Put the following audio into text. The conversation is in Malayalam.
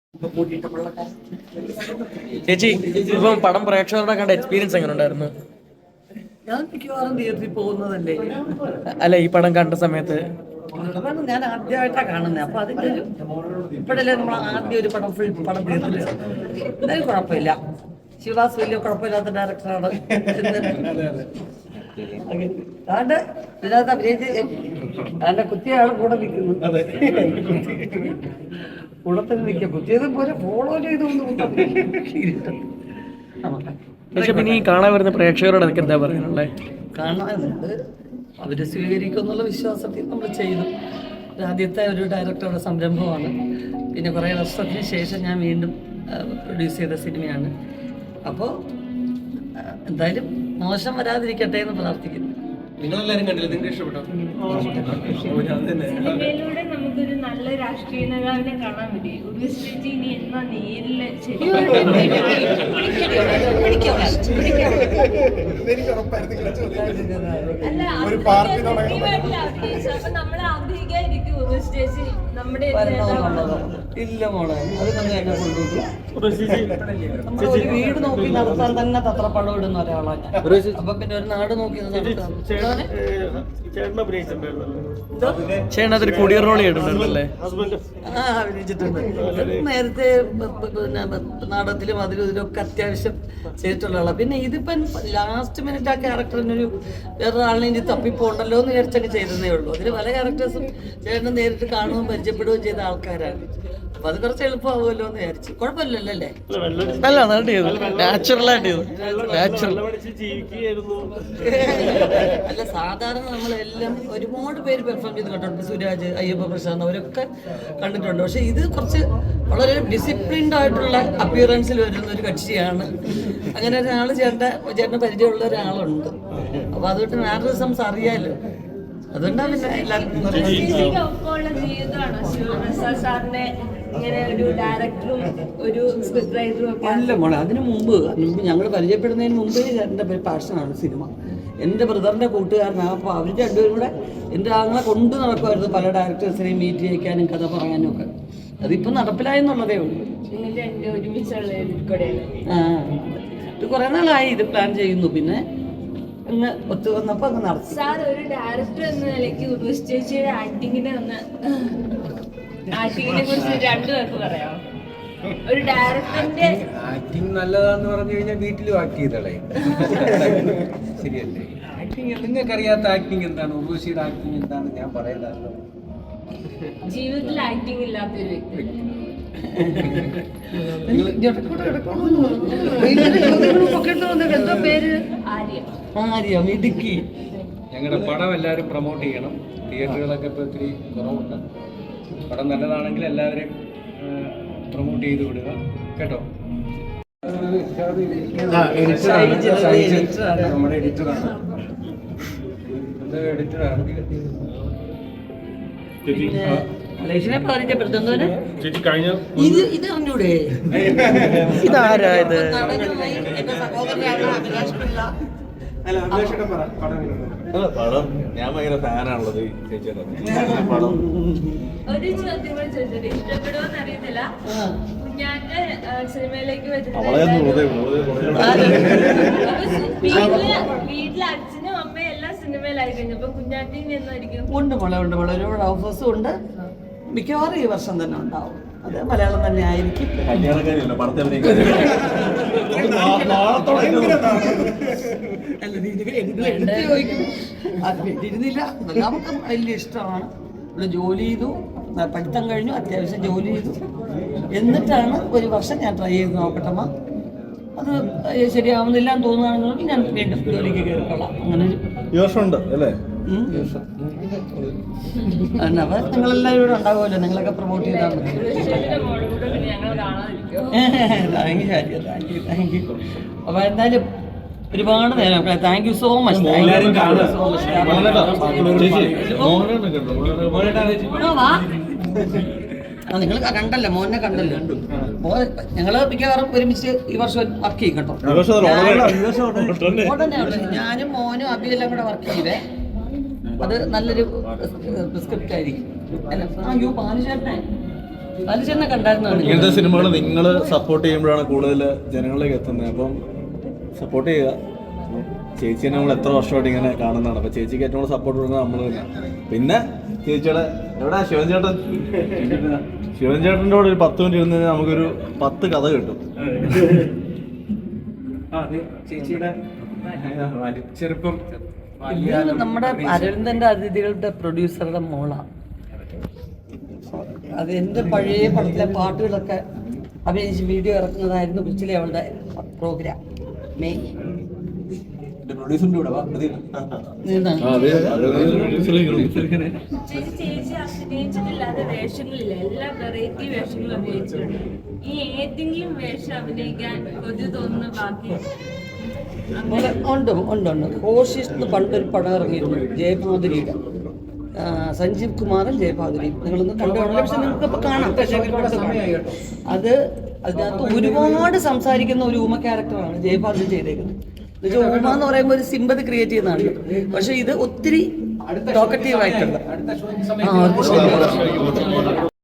ചേച്ചി ഇപ്പം പടം പ്രേക്ഷകരുടെ കണ്ട എക്സ്പീരിയൻസ് എങ്ങനെ ഉണ്ടായിരുന്നു? ഞാൻ മിക്കവാറും തിയേറ്ററിൽ പോകുന്നതല്ലേ. അല്ല, ഈ പടം കണ്ട സമയത്ത് അതാണ് ഞാൻ ആദ്യമായിട്ടാണ് കാണുന്നത്. അപ്പൊ അതിന്റെ ഇപ്പോഴല്ലേ നമ്മൾ ആദ്യം ഒരു പടം ഫുൾ പടം തിയേറ്ററിൽ എന്തായാലും കുഴപ്പമില്ല. ശിവദാസ് വലിയ കുഴപ്പമില്ലാത്ത ഡയറക്ടറാണ്. അതുകൊണ്ട് ഇതിനകത്ത് അഭിനയിച്ച് അതിന്റെ കുത്തിയാൾ കൂടെ നിൽക്കുന്നു. കൂടത്തിൽ നിൽക്കുക കുത്തിയത് പോലെ ഫോളോ ചെയ്തൊന്നും പക്ഷെ പിന്നെ ഈ കാണാൻ വരുന്ന പ്രേക്ഷകരോട് അതൊക്കെ എന്താ പറയാനുള്ളത്? കാണാനുണ്ട്, അവര് സ്വീകരിക്കും എന്നുള്ള വിശ്വാസത്തിൽ നമ്മൾ ചെയ്തു. ആദ്യത്തെ ഒരു ഡയറക്ടറുടെ സംരംഭമാണ്. പിന്നെ കുറേ വർഷത്തിന് ശേഷം ഞാൻ വീണ്ടും പ്രൊഡ്യൂസ് ചെയ്ത സിനിമയാണ്. അപ്പോൾ എന്തായാലും മോശം വരാതിരിക്കട്ടെ എന്ന് പ്രാർത്ഥിക്കുന്നു. നിങ്ങളെല്ലാരും കണ്ടില്ല, നിങ്ങൾക്ക് ഇഷ്ടപ്പെട്ടോ? സിനിമയിലൂടെ നമുക്കൊരു നല്ല രാഷ്ട്രീയ നേതാവിനെ കാണാൻ പറ്റി. ഉർവശി ഇനി എന്നാ നേരില് അപ്പൊ നമ്മൾ ആഗ്രഹിക്കാതിരിക്കും ഉർവശി ചേച്ചി നമ്മുടെ ഇല്ല മോളെ, അത് തന്നെ എന്നെ കൊണ്ടുപോകും. ഒരു വീട് നോക്കി നടത്താൻ തന്നെ തത്രപ്പടം ഇടുന്ന ഒരാളാണ് ഞാൻ. അപ്പൊ പിന്നെ ഒരു നാട് നോക്കി ചേട്ടനതൊരു കൊടിയർ റോൾ ചെയ്തിട്ടുണ്ടല്ലേ? അഭിനയിച്ചിട്ടുണ്ട്. നേരത്തെ പിന്നെ നാടകത്തിലും അതിലും ഇതിലൊക്കെ അത്യാവശ്യം ചെയ്തിട്ടുള്ള ആളാണ്. പിന്നെ ഇതിപ്പം ലാസ്റ്റ് മിനിറ്റ് ആ ക്യാരക്ടറിനൊരു വേറൊരാളിനെ ഇനി തപ്പിപ്പോണ്ടല്ലോ എന്ന് വിചാരിച്ചൊക്കെ ചെയ്തതേ ഉള്ളൂ. അതിൽ പല ക്യാരക്ടേഴ്സും ചേട്ടനെ നേരിട്ട് കാണുകയും പരിചയപ്പെടുകയും ചെയ്ത ആൾക്കാരാണ്. അപ്പൊ അത് കുറച്ച് എളുപ്പമാവുമല്ലോ എന്ന് വിചാരിച്ചു. കുഴപ്പമില്ലല്ലോ അല്ലേ? അല്ല, സാധാരണ നമ്മളെല്ലാം ഒരുപാട് പേര് പെർഫോം ചെയ്ത് കണ്ടിട്ടുണ്ട്. സുരാജ്, അയ്യപ്പ പ്രസാദ് അവരൊക്കെ കണ്ടിട്ടുണ്ട്. പക്ഷെ ഇത് കുറച്ച് വളരെ ഡിസിപ്ലിൻഡ് ആയിട്ടുള്ള അപ്പിയറൻസിൽ വരുന്ന ഒരു കക്ഷിയാണ്. അങ്ങനെ ഒരാൾ ചേട്ടന് പരിചയമുള്ള ഒരാളുണ്ട്. അപ്പൊ അതുകൊണ്ട് മാനറിസംസ് അറിയാലോ. അതുകൊണ്ടാണ് പിന്നെ എല്ലാവർക്കും ഇങ്ങനെ ഒരു ഡയറക്ടറും ഒരു സ്ക്രിപ്റ്റ് റൈറ്ററും ഒക്കെ അല്ല മോളെ, അതിനു മുമ്പ് ഞങ്ങൾ പരിചയപ്പെടുന്നതിന് മുമ്പേ എൻ്റെ പാഷനാണ് സിനിമ. എൻ്റെ ബ്രദറിൻ്റെ കൂട്ടുകാരനാണ്. അപ്പോൾ അവർ രണ്ടുപേരും കൂടെ എൻ്റെ ആങ്ങളെ കൊണ്ടു നടക്കുമായിരുന്നു പല ഡയറക്ടേഴ്സിനെയും മീറ്റ് ചെയ്യിക്കാനും കഥ പറയാനും ഒക്കെ. അതിപ്പോൾ നടപ്പിലായെന്നുള്ളതേ ഉള്ളൂ. ഇത് കുറേ നാളായി ഇത് പ്ലാൻ ചെയ്യുന്നു. പിന്നെ അങ്ങ് ഒത്തു വന്നപ്പോൾ അങ്ങ് നടത്തി. സാർ ഒരു ഡയറക്ടർ എന്ന നിലയ്ക്ക് ഉർവശി ചേച്ചിയുടെ ആക്ടിങ്ങിനെ കുറിച്ച് രണ്ടു പേർക്ക് പറയാമോ? ഒരു ഡയറക്ടറിന്റെ ആക്ടിങ് നല്ലതാന്ന് പറഞ്ഞു കഴിഞ്ഞാൽ വീട്ടിലും ആക്ട് ചെയ്തളേ. ശരിയല്ലേ? ആക്ടിങ് നിങ്ങൾക്ക് അറിയാത്ത ആക്ടിങ് എന്താണ്? ഉർവശിയുടെ ആക്ടിങ് എന്താണ് ഞാൻ പറയണ്ടല്ലോ. ജീവിതത്തിൽ ആക്ടിങ് ഇല്ലാത്തൊരു വ്യക്തി. എന്താ പേര്? ആര്യ. ഇടുക്കി. ഞങ്ങളുടെ പടം എല്ലാവരും പ്രൊമോട്ട് ചെയ്യണം. തിയേറ്ററുകളൊക്കെ ഇപ്പോൾ ഒത്തിരി കുറവുണ്ട്. പടം നല്ലതാണെങ്കിൽ എല്ലാവരും പ്രൊമോട്ട് ചെയ്ത് വിടുക കേട്ടോ. നമ്മുടെ എഡിറ്ററാണ്. എഡിറ്ററാണ്. അലേഷിനെ പരിചയപ്പെടുത്തുന്നവന് ഇത് അറിഞ്ഞൂടെ? ഇതാരാ ഇത്? എന്റെ സഹോദരനാണ് അഭിലാഷ് പിള്ള. പടം ഞാൻ ഭയങ്കര ഫാനാണുള്ളത് ചേച്ചിയുടെ പടം. ഒരു ചോദ്യം കൂടി ചോദിച്ചത് ഇഷ്ടപ്പെടുമോന്ന് അറിയത്തില്ല. കുഞ്ഞാന്റെ സിനിമയിലേക്ക് വീട്ടിലെ അച്ഛനും അമ്മയും എല്ലാം സിനിമയിലായി കഴിഞ്ഞപ്പോ കുഞ്ഞാറ്റി എന്നായിരിക്കും? ഉണ്ട് മോളെ, ഉണ്ട് മോളെ. ഒരുപാട് ഓഫേഴ്സും ഉണ്ട്. മിക്കവാറും ഈ വർഷം തന്നെ ഉണ്ടാവും. അത് മലയാളം തന്നെ ആയിരിക്കും. ഇരുന്നില്ല. നമുക്ക് വലിയ ഇഷ്ടമാണ്. ഇവിടെ ജോലി ചെയ്തു, പഠിത്തം കഴിഞ്ഞു, അത്യാവശ്യം ജോലി ചെയ്തു. എന്നിട്ടാണ് ഒരു വർഷം ഞാൻ ട്രൈ ചെയ്ത് നോക്കട്ടമ്മ. അത് ശരിയാവുന്നില്ല എന്ന് തോന്നുകയാണെന്നുണ്ടെങ്കിൽ ഞാൻ വീണ്ടും ജോലിക്ക് കയറിക്കൊള്ളാം. അങ്ങനെ ഈ വർഷം ഉണ്ട് അല്ലേ? അപ്പോൾ നിങ്ങളെല്ലാവരും ഇവിടെ ഉണ്ടാവുമല്ലോ. നിങ്ങളൊക്കെ പ്രൊമോട്ട് ചെയ്താൽ മതി. Thank you. അപ്പോൾ എന്തായാലും ഒരുപാട് നേരം താങ്ക് യു സോ മച്ച്. നിങ്ങൾ കണ്ടല്ലോ, മോനെ കണ്ടല്ലോ. ഞങ്ങള് മിക്കവാറും ഒരുമിച്ച് ഈ വർഷം വർക്ക് ചെയ്യും കേട്ടോ. ഞാനും മോനും അബിയെല്ലാം കൂടെ വർക്ക് ചെയ്തേ. അത് നല്ലൊരു സ്ക്രിപ്റ്റ് ആയിരിക്കും. അല്ല, പാലു ചേട്ടനെ ബാലചേട്ടനെ കണ്ടായിരുന്നു. ഇങ്ങനത്തെ സിനിമകൾ നിങ്ങൾ സപ്പോർട്ട് ചെയ്യുമ്പോഴാണ് കൂടുതൽ ജനങ്ങളിലേക്ക് എത്തുന്നത്. അപ്പം സപ്പോർട്ട് ചെയ്യുക. ചേച്ചിനെ നമ്മൾ എത്ര വർഷമായിട്ട് ഇങ്ങനെ കാണുന്നതാണ്. അപ്പം ചേച്ചിക്ക് ഏറ്റവും കൂടുതൽ സപ്പോർട്ട് കൊടുക്കുന്നത് നമ്മൾ തന്നെയാണ്. പിന്നെ ചേച്ചിയുടെ എവിടെ ശിവൻ ചേട്ടൻ, ശിവൻ ചേട്ടൻ്റെ കൂടെ ഒരു 10 മിനിറ്റ് ഇരുന്ന് കഴിഞ്ഞാൽ നമുക്കൊരു 10 കഥ കിട്ടും. ചേച്ചിയുടെ ചെറുപ്പം ഇത് നമ്മുടെ അരവിന്ദന്റെ അതിഥികളുടെ പ്രൊഡ്യൂസറുടെ മോളാണ്. അത് എൻ്റെ പഴയ പടത്തിലെ പാട്ടുകളൊക്കെ അഭിനയിച്ച് വീഡിയോ ഇറക്കുന്നതായിരുന്നു കൊച്ചിലെ അവളുടെ പ്രോഗ്രാം. മെയ് ചേച്ചി അഭിനയിച്ചിട്ടില്ലാത്ത വേഷങ്ങളില്ല, എല്ലാ വെറൈറ്റി വേഷങ്ങളും അഭിനയിച്ചിട്ടുണ്ട്. ഈ ഏതെങ്കിലും വേഷം അഭിനയിക്കാൻ കൊതി തോന്നുന്ന ബാക്കി ഉണ്ട്. കോശിഷ് എന്ന് പണ്ടൊരു പടം ഇറങ്ങിയിരുന്നു, ജയഭാദുരിയുടെ. സഞ്ജീവ് കുമാറും ജയഭാദുരിയും. നിങ്ങളൊന്ന് കണ്ടുകാണല്ലോ, പക്ഷെ നിങ്ങൾക്കിപ്പോൾ കാണാം. അത് അതിനകത്ത് ഒരുപാട് സംസാരിക്കുന്ന ഒരു ഊമ ക്യാരക്ടറാണ് ജയഭാദുരി ചെയ്തേക്കുന്നത്. ഊമ എന്ന് പറയുമ്പോൾ ഒരു സിമ്പതി ക്രിയേറ്റ് ചെയ്യുന്നതാണ്. പക്ഷെ ഇത് ഒത്തിരി ടോക്കറ്റീവ് ആയിട്ടുണ്ട്.